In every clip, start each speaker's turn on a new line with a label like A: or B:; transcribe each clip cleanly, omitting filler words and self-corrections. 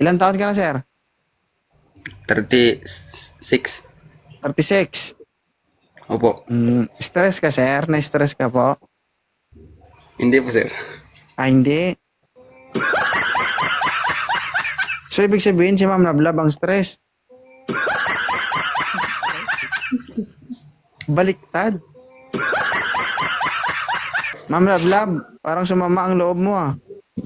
A: Ilan taon ka na, sir?
B: 36.
A: 36.
B: Opo.
A: Stress ka, sir? Na-stress ka po?
B: Hindi po, sir.
A: Ah, hindi. So, ibig sabihin si Ma'am Lablab ang stress. Baliktad. Ma'am Lablab, parang sumama ang loob mo ah.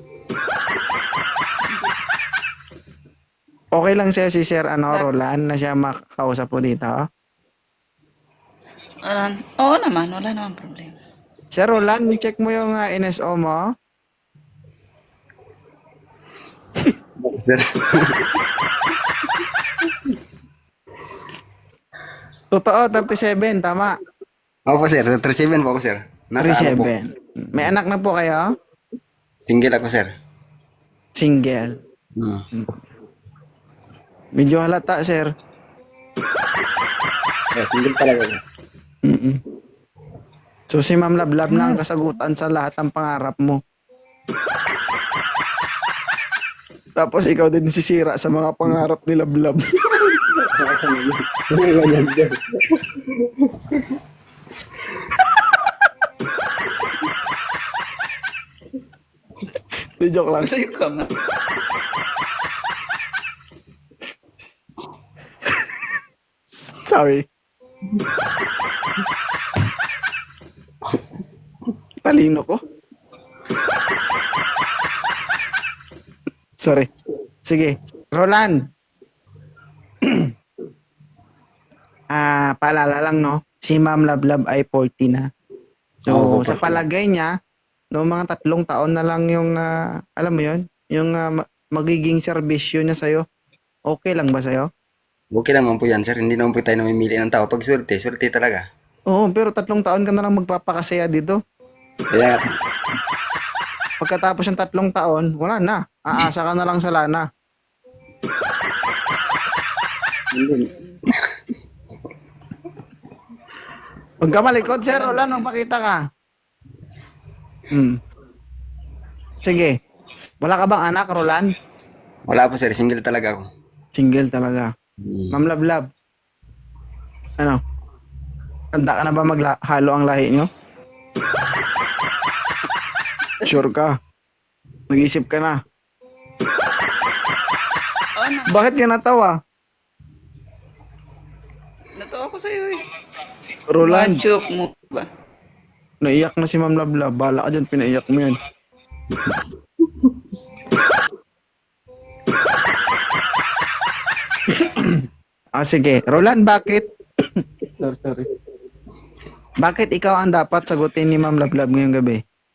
A: Okay lang sa'yo si Sir Roland na siya makakausap po dito.
C: Oo naman, wala naman problema.
A: Sir Roland, check mo yung NSO mo.
B: Sir.
A: Totoo, 37, tama.
B: Opo, sir. 37 po ako, sir. Nasa ano po?
A: 37. May anak na po kayo?
B: Single ako, sir.
A: Single. Medyo halata, sir.
B: Single talaga.
A: So si Ma'am Lablab na ang kasagutan sa lahat ng pangarap mo. Tapos ikaw din sisira sa mga pangarap ni Lablab.
B: Ganyan, sir.
A: Di joke lang.
C: Malayo ka na.
A: Sorry. Talino ko. Sorry. Sige. Roland. Paalala lang, no? Si Ma'am Lablab ay 40 na. So, sa palagay niya, no, mga 3 taon na lang yung, alam mo yon, yung magiging serbisyo niya sa'yo. Okay lang ba sa'yo?
B: Okay naman po yan, sir. Hindi naman po tayo namimili ng tao. Pag swerte talaga.
A: Oo, pero 3 taon ka na lang magpapakasaya dito.
B: Kaya,
A: Pagkatapos ng 3 taon, wala na. Aasa ka na lang sa lana.
B: hindi.
A: Huwag ka malikot, sir. Roland, magpakita ka. Sige. Wala ka bang anak, Roland?
B: Wala po, sir. Single talaga ako.
A: Single talaga. Ma'am Lablab. Ano? Handa ka na ba maghalo ang lahi nyo? Sure ka? Nag-isip ka na?
C: Oo na.
A: Bakit ka natawa?
C: Natawa ko sa'yo eh.
A: Roland,
C: Joke mo ba?
A: naiyak na si Ma'am Lablab. Bala ka dyan, pinaiyak mo yan. Sige. Roland, bakit? Sorry. Bakit ikaw ang dapat sagutin ni Ma'am Lablab ngayong gabi?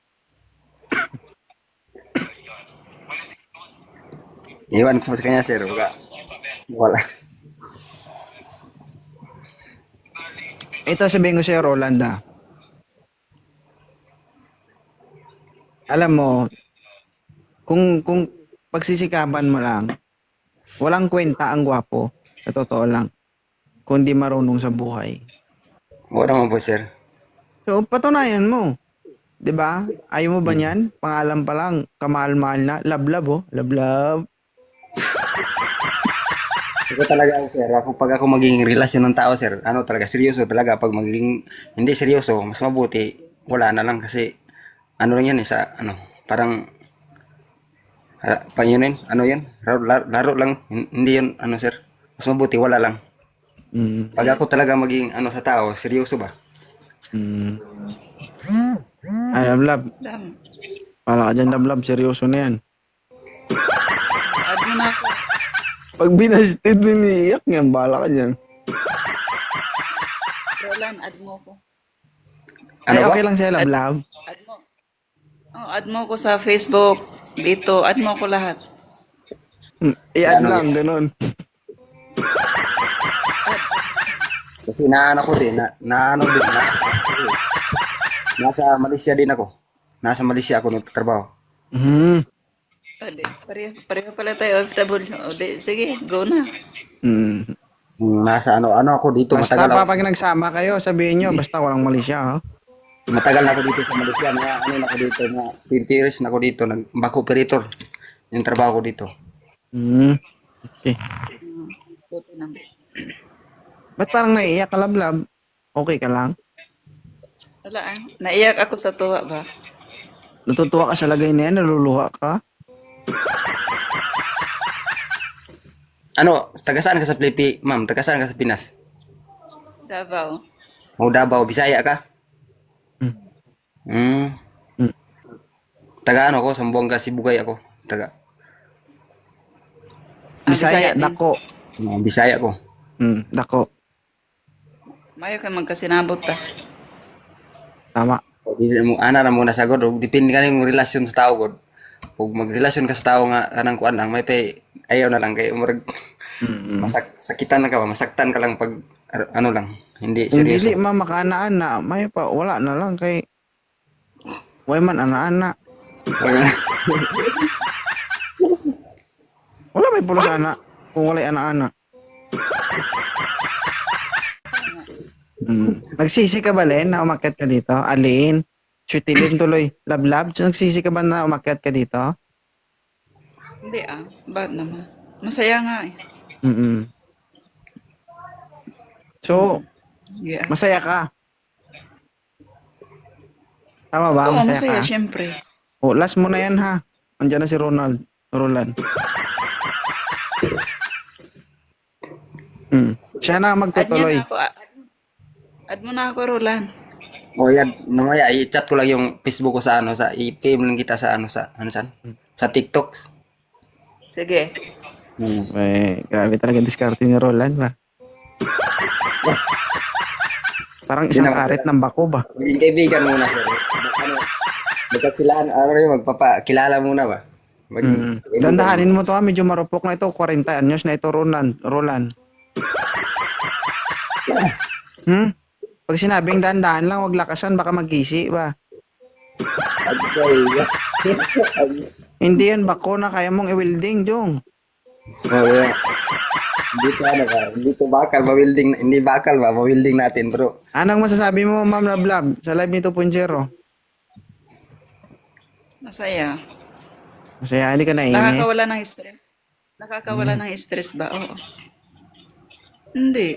B: Iwan ko sa kanya, sir. Wala.
A: Ito sabihin ko sa'yo, Roland, alam mo, kung pagsisikapan mo lang, walang kwenta ang gwapo, sa totoo lang, kundi marunong sa buhay.
B: Wala naman po, sir.
A: So, patunayan mo. 'Di ba? Ayaw mo ba niyan? Pangalan pa lang, kamahal-mahal na. Lablab, oh. Lablab.
B: Ito talaga ako, sir. Pag ako maging relasyon ng tao, sir, talaga, seryoso talaga. Pag magiging hindi seryoso, mas mabuti, wala na lang kasi, lang yan, parang, yun, laro lang, hindi yun, sir. Mas mabuti, wala lang. Pag ako talaga maging, sa tao, seryoso ba?
A: Ay, Lablab.
C: Dam.
A: Para ka dyan, Lablab. Seryoso na yan.
C: Add mo na ako.
A: Pag binasted mo niiyak yan, bala ka dyan.
C: Roland, add mo ko.
A: Ay,
B: Ano ba?
A: okay lang siya, Lablab.
C: Add mo. Oh, add mo ko sa Facebook. Dito, add mo ko lahat.
A: I-add
B: Ano
A: lang, ganun.
B: Kasi naano ko din, nasa Malaysia din ako. Nasa Malaysia ako nagtatrabaho.
C: O, di, pareho pala tayo OFW. O, di, sige, go na.
B: Nasa ako dito,
A: Basta
B: matagal
A: pa
B: ako.
A: pag nagsama kayo, sabihin nyo, basta walang mali siya, oh.
B: Matagal na ako dito sa Malaysia, na ako dito, na 30 years na ako dito, nag-back operator yung trabaho ko dito.
A: Hmm. Okay.
C: Buti naman.
A: Ba't parang naiiyak ka, lablab? Okay ka lang?
C: Wala ah. Naiyak ako sa tuwa ba?
A: Natutuwa ka sa lagay na yan? Naluluha ka?
B: Ano, taga saan ka sa Pilipi, ma'am? Taga saan ka sa Pinas?
C: Davao.
B: O Davao, Bisaya ka?
A: Hmm.
B: Hmm.
A: Hmm.
B: Taga ano ko, Zamboanga, Sibugay ako. Taga.
A: Bisaya,
C: Bisaya din.
A: dako.
B: Bisaya ko.
A: Dako.
C: Mayo kay magkasinabot ta.
A: Tama.
B: O, di mo ana ra muna sagod, og depende kaning relasyon sa tao gud. Kung magrelasyon ka sa tao nga kanang kuan lang, may pay ayaw na lang kay umurag
A: Mm.
B: sakitan na ka ba, masaktan ka lang pag ano lang, hindi
A: Kung dili
B: seryoso.
A: makaanaan may pa wala na lang kay way man ana-ana. Wala may pulos ana kung walay ana-ana. Nagsisi ka ba, Len, na umakyat ka dito? Alin? Sweetilin tuloy. Lablab? So, nagsisi ka ba na umakyat ka dito?
C: Hindi ah. Bakit naman? Masaya nga eh.
A: Mm. So,
C: Yeah.
A: masaya ka? Tama ba?
C: Oo,
A: Masaya
C: masaya,
A: ka?
C: syempre.
A: O, last mo na yan ha. Andiyan na si Roland. Siya na
C: Add niya
A: magtutuloy.
C: na ako. Add mo na ako, Roland.
B: O yan, mamaya i-chat ko lang yung Facebook ko sa ano, sa i-PM lang kita sa ano, saan? Sa TikTok.
C: Sige.
A: Grabe talaga diskarte ni Roland ba? Parang isang karet ng bako ba?
B: Maging kaibigan muna sir. Ano, magkakilaan, ano rin, magpapakilala muna ba? Maging kaibigan.
A: Dandahanin mo to ha, medyo marupok na ito, 40 anyos na ito, Roland. Pag sinabing dandahan lang, wag lakasan, baka magkisi ba? Hindi yan bako na kaya mong i-welding, Jong.
B: Oh, yeah. Dito bakal, ma-welding, hindi bakal ba, ma-welding natin bro.
A: Anong masasabi mo, Ma'am Lablab, sa live ni 2.0?
C: Masaya.
A: Masaya, hindi ka nainis?
C: Nakakawala ng stress. Nakakawala ng stress ba? Oo. Hindi.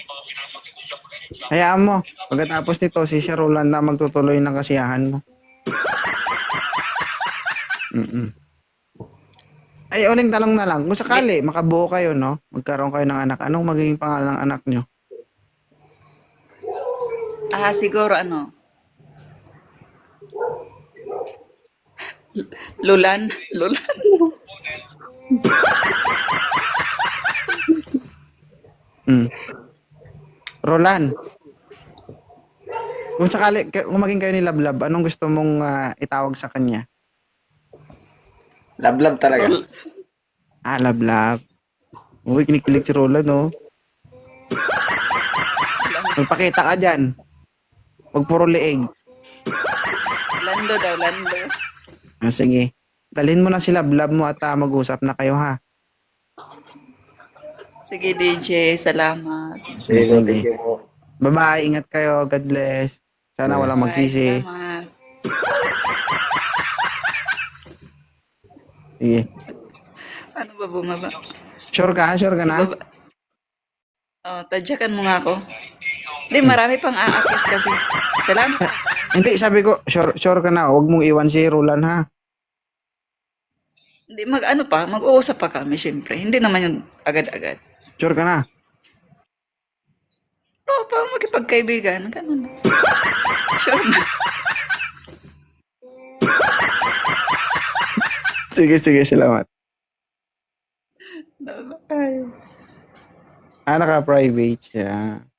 A: Hayaan mo, pagkatapos nito, si Sir Roland na magtutuloy ng kasiyahan mo. Ay, uling talong na lang. Kung sakali, makabuo kayo, no? Magkaroon kayo ng anak. Anong magiging pangalan ng anak nyo?
C: Siguro ano? Lulan.
A: Roland, kung sakali, kung maging kayo ni Lablab, anong gusto mong itawag sa kanya?
B: Lablab talaga.
A: Lablab. Uy, kinikilig si Roland, no? Magpakita ka dyan. Huwag puro leeg.
C: Lando daw, Lando.
A: Sige. Dalhin mo na si Lablab mo at mag-usap na kayo, ha?
C: Sige, DJ. Salamat.
A: Sige.
B: Thank you po.
A: Bye-bye. Ingat kayo. God bless. Sana walang magsisi.
C: Bye, salamat.
A: Sige.
C: Ano ba bumaba?
A: Sure ka? Sure ka na?
C: Baba. Tadyakan mo nga ako. Hindi, marami pang aakit kasi. Salamat.
A: Hindi, sabi ko, sure ka na. Huwag mong iwan si Roland, ha?
C: Hindi, mag-uusap pa kami, syempre. Hindi naman yung agad-agad.
A: Sure ka na?
C: Oo, pa magkipagkaibigan. Ganun. Sure na.
A: Sige, salamat.
C: Bye.
A: Naka-private siya.